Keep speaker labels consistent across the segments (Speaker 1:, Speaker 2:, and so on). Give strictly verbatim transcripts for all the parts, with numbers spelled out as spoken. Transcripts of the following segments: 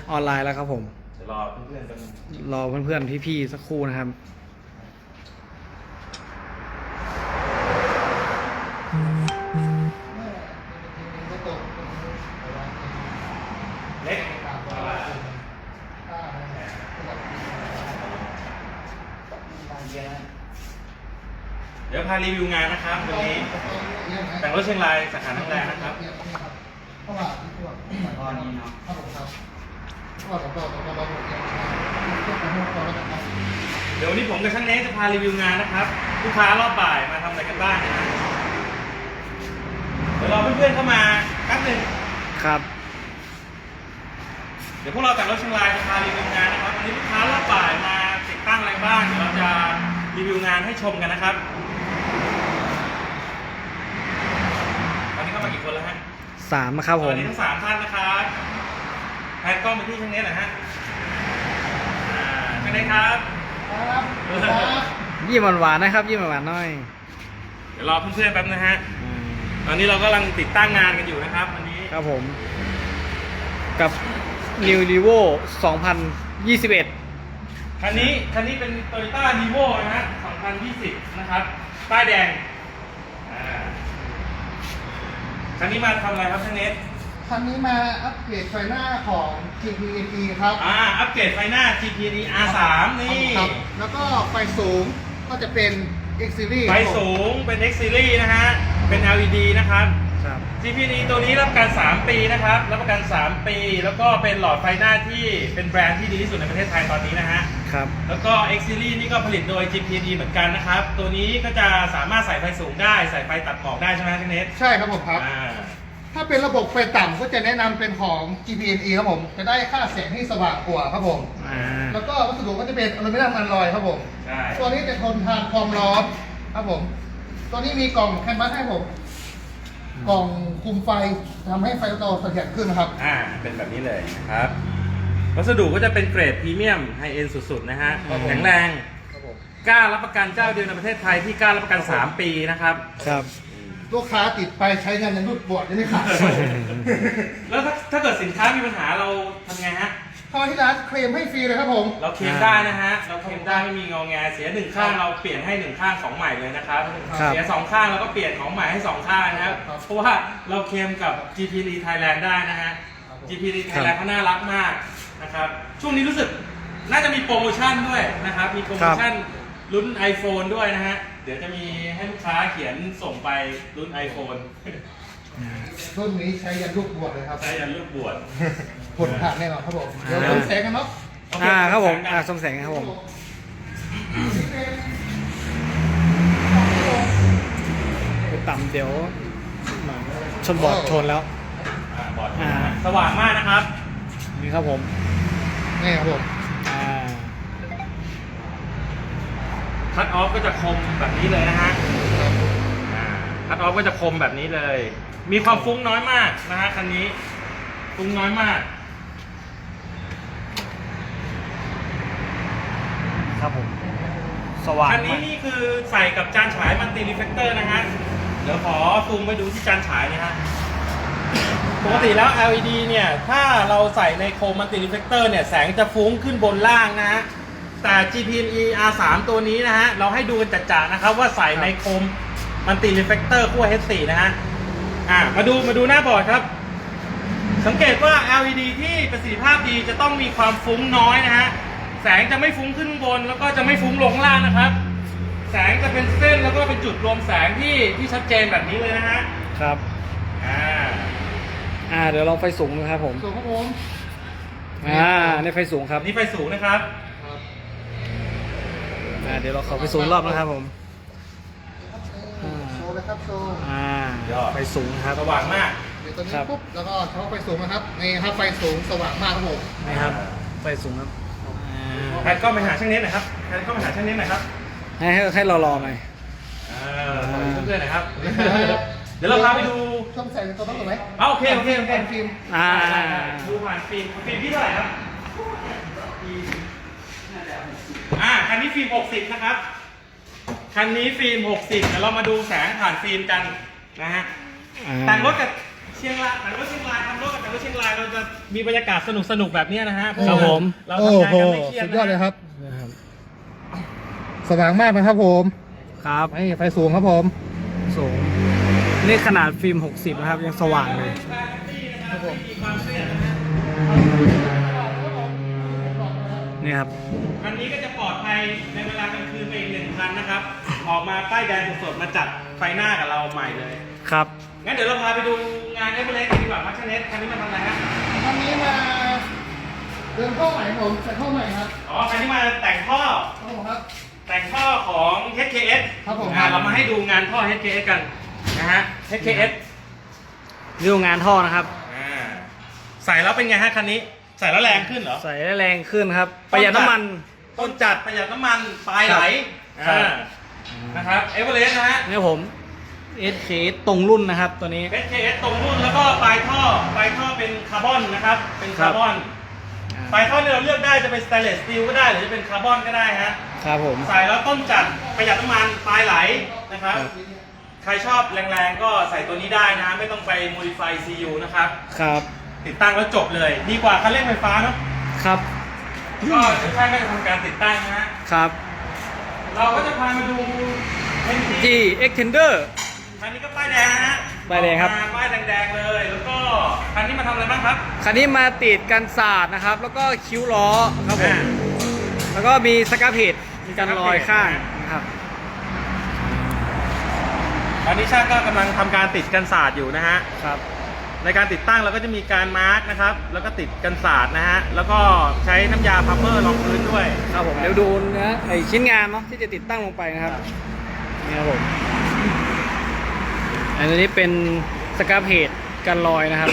Speaker 1: ออนไลน์แล้วครับผม
Speaker 2: เดี๋ยวรอเพื่อนๆกัน
Speaker 1: รอเพื่อนๆพี่ๆสักครู่นะครับ
Speaker 2: เล็กเดี๋ยวพารีวิวงานนะครับวันนี้แต่งรถเชียงรายสาขานังแรงนะครับ
Speaker 3: เพราะว่าที่ตัวตอนนี้เนาะครับผมครับเพราะว่าต่อต่อต่อต่อหมดเนี่ยเทียบกับพวกตัวแล้วกันครับ
Speaker 2: เดี๋ยววันนี้ผมกับช่างเนสจะพารีวิวงานนะครับลูกค้ารอบบ่ายมาทำอะไรกันบ้างนะเดี๋ยวรอเพื่อนๆเข้ามาแป๊บนึง
Speaker 1: ครับ
Speaker 2: เดี๋ยวพวกเราแต่งรถเชียงรายจะพารีวิวงานนะครับวันนี้ลูกค้ารอบบ่ายมาติดตั้งอะไรบ้างเดี๋ยวเราจะรีวิวงานให้ชมกันนะครับตอนนี้เข้ามากี่คนแล้วฮะ
Speaker 1: สามนะครับผม
Speaker 2: ตอนนี้ทั้งสามท่านนะครับแพนกล้องไปที่ช่างเนสหน่อยฮะอ่าช่างเนสครับ
Speaker 3: ครับ
Speaker 1: ยิ้มหวานๆนะครับยิ้มหวานๆหน่อย
Speaker 2: เดี๋ยวรอเพื่อนๆแป๊บนะฮะตอนนี้เรากำลังติดตั้งงานกันอยู่นะครับวันนี้
Speaker 1: ครับผมกับ New Revo สองพันยี่สิบเอ็ด
Speaker 2: คันนี้คันนี้เป็น Toyota Revo นะฮะสองพันยี่สิบนะครับป้ายแดงคันนี้มาทำอะไรครับช่างเนส
Speaker 3: คันนี้มาอัปเกรดไฟหน้าของ จี พี เอ็น อี ครับ
Speaker 2: อ่าอัปเกรดไฟหน้า จี พี เอ็น อี อาร์ สาม นี่
Speaker 3: แล้วก็ไฟสูงก็จะเป็น X Series
Speaker 2: ไฟสูงเป็น X Series นะฮะเป็น แอล อี ดี นะครับ จี พี เอ็น อี ตัวนี้รับประกันสามปีนะครับรับประกันสามปีแล้วก็เป็นหลอดไฟหน้าที่เป็นแบรนด์ที่ดีที่สุดในประเทศไทยตอนนี้นะฮะ
Speaker 1: ครับ
Speaker 2: แล้วก็ X Series นี่ก็ผลิตโดย จี พี เอ็น อี เหมือนกันนะครับตัวนี้ก็จะสามารถใส่ไฟสูงได้ใส่ไฟตัดหมอกได้ใช่ไหมช่างเนส
Speaker 3: ใช่ครับผมครับถ้าเป็นระบบไฟต่ำก็จะแนะนำเป็นของ จี พี เอ็น อี ครับผมจะได้ค่าแสงที่สว่างกว่าครับผมแล้วก็วัสดุก็จะเป็นอลูมิเนียมอัลลอยครับผมตัวนี้จะทนทานความร้อนครับผมตัวนี้มีกล่องแคนวาสให้ผมกล่องคุมไฟทำให้ไฟเราเสถียรขึ้นนะครับ
Speaker 2: อ่าเป็นแบบนี้เลยนะครับวัสดุก็จะเป็นเกรดพรีเมียมไฮเอ็นด์สุดๆนะฮะแข็งแรงกล้ารับประกันเจ้าเดียวในประเทศไทยที่กล้ารับประกันสามปีนะครับ
Speaker 1: ครับ
Speaker 3: ลูกค้าติดไปใช้งานยันรุดบวชยังไม่ขาด
Speaker 2: แล้วถ้าถ้าเกิดสินค้ามีปัญหาเราทำไงฮะ
Speaker 3: เข้ามาที่ร้านเคลมให้ฟรีเลยครับผม
Speaker 2: เราเคลมได้นะฮะเราเคลมได้ไม่มีงอแงเสียหนึ่งข้างเราเปลี่ยนให้หนึ่งข้างของใหม่เลยนะครับเสียสองข้างเราก็เปลี่ยนของใหม่ให้สองข้างนะครับเพราะว่าเราเคลมกับ จี พี เอ็น อี Thailand ได้นะฮะ จี พี เอ็น อี Thailand เขาน่ารักมากนะครับช่วงนี้รู้สึกน่าจะมีโปรโมชั่นด้วยนะครับมีโปรโมชั่นรุ่น iPhone ด้วยนะฮะเดี๋ยวจะมีให้ลูกค้าเขียนส่งไปรุ่น iPhone
Speaker 3: รุ่นนี้ใช้ยันลูกบวชเลยครับ
Speaker 2: ใช้ยันลูกบวช
Speaker 3: ผลผ่านแน่นอนครับผมเดี๋ยวส่งแสงกันเนาะ
Speaker 1: อ่าครับผมอ่าส่งแสงครับผมไปต่ำเดี๋ยวชนบอร์ดชนแล้ว
Speaker 2: บอร์ดสว่างมากนะครับ
Speaker 1: นี่ครับผม
Speaker 3: นี่ครับผม
Speaker 1: อ่า
Speaker 2: คัทออฟก็จะคมแบบนี้เลยนะฮะคัทออฟก็จะคมแบบนี้เลยมีความฟุ้งน้อยมากนะฮะคันนี้ฟุ้งน้อยมาก
Speaker 1: ครับผมสว่าง
Speaker 2: คันนี้นี่คือใส่กับจานฉายมัลติรีเฟลเตอร์นะฮะเดี๋ยวขอซูมไปดูที่จานฉายนะฮะปกติแล้ว แอล อี ดี เนี่ยถ้าเราใส่ในโคมมัลติรีเฟลเตอร์เนี่ยแสงจะฟุ้งขึ้นบนล่างนะฮะแต่ จี พี เอ็น อี อาร์ สาม ตัวนี้นะฮะเราให้ดูกันจัดๆนะครับว่าใส่ในโคมมัลติรีเฟลเตอร์ขั้ว เอช โฟร์ นะฮะอ่ามาดูมาดูหน้าบอร์ดครับสังเกตว่า แอล อี ดี ที่ประสิทธิภาพดีจะต้องมีความฟุ้งน้อยนะฮะแสงจะไม่ฟุ้งขึ้นบนแล้วก็จะไม่ฟุ้งลงล่างนะครับแสงจะเป็นเส้นแล้วก็เป็นจุดรวมแสงที่ที่ชัดเจนแบบนี้เลยนะฮะ
Speaker 1: ครับ
Speaker 2: อ่า
Speaker 1: อ่าเดี๋ยวลองไฟสูงนะครับผม
Speaker 3: สูงครับผม
Speaker 1: อ่านี่ไฟสูงครับ
Speaker 2: นี่ไฟสูงนะครับ
Speaker 1: อ่าเดี๋ยวเราขอไฟสูงรอบนะครับผม
Speaker 3: โชว์เลยครับโชว์
Speaker 1: อ่าไฟสูงครับ
Speaker 2: สว่างมาก
Speaker 3: เดี๋ยวตัวนี้ปุ๊บแล้วก็เท้าไฟสูงนะครับนี่ครับไฟสูงสว่างมากครับผม
Speaker 1: นี่ครับไฟสูงครับ
Speaker 2: แพนก็ไปหาช่างเน็ตหน่อยครับแพนก็ไปหาช่างเน็ตหน่อยครับ
Speaker 1: ให้ให้เรารอหน่อย
Speaker 2: อ่าเพื่อนๆหน่อยครับเดี๋ยวเราพาไปดู
Speaker 3: ช่องแสงตัวต้องถูกไหม
Speaker 2: โอเคโอเคโอเค
Speaker 3: ฟิล์ม
Speaker 1: อ่า
Speaker 2: ดูผ่านฟิล์มฟิล์มที่เท่าไหร่ครับอ่าคันนี้ฟิล์มหกสิบนะครับคันนี้ฟิล์มหกสิบเดี๋ยวเรามาดูแสงผ่านฟิล์มกันนะฮะแต่งรถกับเชียงรายแต่ว่าเชียงรายทำรถกับแต่ว่าเชียงรายเราจะมีบรรยากาศสนุกสนุกๆแบบเนี้ยนะฮะเพาะ
Speaker 1: ครับ
Speaker 2: ว่า
Speaker 1: ผม
Speaker 2: เรา
Speaker 3: โอ้
Speaker 2: ทำงาน
Speaker 3: โห
Speaker 2: กันไม่เครียด
Speaker 3: สุด
Speaker 2: นะ
Speaker 3: ยอดเลยครับ
Speaker 1: นะครับ
Speaker 3: สว่างมากนะครับผม
Speaker 1: ครับ
Speaker 3: ไฟไฟสูงครับผม
Speaker 1: สูงนี่ขนาดฟิล์มหกสิบนะครับ ยังสว่างเลย
Speaker 2: ครับผมมีความเครียดนะฮะ
Speaker 1: นี่ครับ
Speaker 2: คันนี้ก็จะปลอดภัยในเวลากลางคืนไปอีกหนึ่งคันนะครับ ออกมาป้ายแดงสดๆมาจัดไฟหน้ากับเราใหม่เลย
Speaker 1: ครับ
Speaker 2: งั้นเดี๋ยวเราพาไปดูงานเอเวอเรสต์กันดีกว่าพัชเนสคันนี้มาทำอะไรฮะ
Speaker 3: คันนี้มาเดินเข้าใหม่ครับผมใส่เข้าใหม่ครับ
Speaker 2: อ๋อคันนี้มาแต่งท่อ
Speaker 3: ครับผมครับ
Speaker 2: แต่งท่อของ เอช เค เอส
Speaker 3: ครับผม
Speaker 2: อ่าเรามาให้ดูงานท่อ เอช เค เอส กันนะฮะ เอช เค เอส
Speaker 1: ดูงานท่อนะครับ
Speaker 2: อ่าใส่แล้วเป็นไงฮะคันนี้ ใส่แล้วแรงขึ้นเหรอ
Speaker 1: ใส่ได้แรงขึ้นครับ ประหยัดน้ำมัน
Speaker 2: ต้นจัดประหยัดน้ำมันปลายไหล
Speaker 1: ครับ
Speaker 2: อ่านะครับเอเวอเรสต์นะฮะ
Speaker 1: นี่ผม เอส เค ตรงรุ่นนะครับ ตัวนี้
Speaker 2: เอช เค เอส ตรงรุ่นแล้วก็ปลายท่อปลายท่อเป็นคาร์บอนนะครับ เป็นคาร์บอนปลายท่อที่เราเลือกได้จะเป็นสแตนเลสสตีลก็ได้หรือจะเป็นคาร์บอนก็ได้ฮะ
Speaker 1: ครับผม
Speaker 2: ใส่แล้วต้นจัดประหยัดน้ำมันปลายไหลนะครับ
Speaker 1: ครับ
Speaker 2: ใครชอบแรงๆก็ใส่ตัวนี้ได้นะ ไม่ต้องไป modify ซี ยู นะครับ
Speaker 1: ครับ
Speaker 2: ติดตั้งแล้วจบเลย ดีกว่าคันเร่งไฟฟ้าเนาะ
Speaker 1: ครับ
Speaker 2: ก็ช่างก็จะทำการติดตั้งนะฮะ
Speaker 1: ครับ
Speaker 2: เราก็จะพามาดูเอ็นที
Speaker 1: ที่ Extender
Speaker 2: คันนี้ก็ป้ายแดงนะฮะ
Speaker 1: ป้ายแดงครับ
Speaker 2: ออกมป้ายแดงๆเลย แล้วก็คันนี้มาทำอะไรบ้างครับ
Speaker 1: คันนี้มาติดกันศาสตร์นะครับ แล้วก็คิ้วล้อครับผม
Speaker 2: อ่า
Speaker 1: แล้วก็มีสกับเพจมีกันรอยข้างนะครับ
Speaker 2: ตอนนี้ช่างก็กำลังทำการติดกันศาสตร์อยู่นะฮะ
Speaker 1: ครับ
Speaker 2: ในการติดตั้งเราก็จะมีการมาร์กนะครับ แล้วก็ติดกันศาสตร์นะฮะ แล้วก็ใช้น้ำยาพัมเมอร์รองพื้นด้วย
Speaker 1: ครับผมเดี๋ยวดูนะไอชิ้นงานเนาะที่จะติดตั้งลงไปนะครับนี่ครับผมอันนี้เป็นสกับเพจกันรอยนะครับ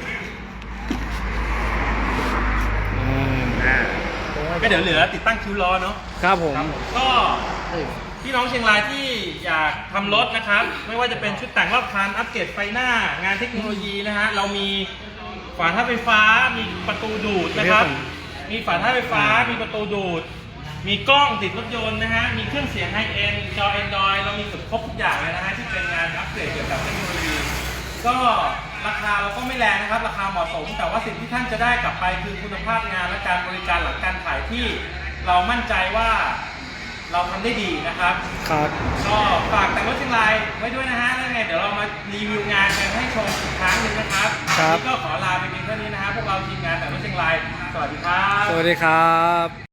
Speaker 1: อ่า
Speaker 2: อ่าก็เดี๋ยวเหลือติดตั้งคิ้วล้อเนาะ
Speaker 1: ครับผม
Speaker 2: ครับผมก็พี่น้องเชียงรายที่อยากทำรถนะครับ ไม่ว่าจะเป็นชุดแต่งรอบคันอัปเกรดไฟหน้างานเทคโนโลยีนะฮะเรามีฝาท้ายไฟฟ้ามีประตูดูดนะครับ มีฝาท้ายไฟฟ้ามีประตูดูด มีกล้องติดรถยนต์นะฮะมีเครื่องเสียงไฮเอ็นจอ Android เรามีเกือบครบทุกอย่างเลยนะฮะที่เป็นงานอัปเกรดเกี่ยวกับเทคโนโลยีก็ราคาเราก็ไม่แรงนะครับราคาเหมาะสม แต่ว่าสิ่งที่ท่านจะได้กลับไปคือคุณภาพงานและการบริการหลังการขายที่เรามั่นใจว่าเราทำได้ดีนะครับ
Speaker 1: ครับ
Speaker 2: ก็ฝากแต่งรถเชียงรายไว้ด้วยนะฮะแล้วไงเดี๋ยวเรามารีวิวงานกันให้ชมอีกครั้งหนึ่งนะครับ
Speaker 1: ครับ
Speaker 2: วันนี้ก็ขอลาไปเพียงเท่านี้นะฮะพวกเราทีมงานแต่งรถเชียงรายสวัสดีครับ
Speaker 1: สวัสดีครับ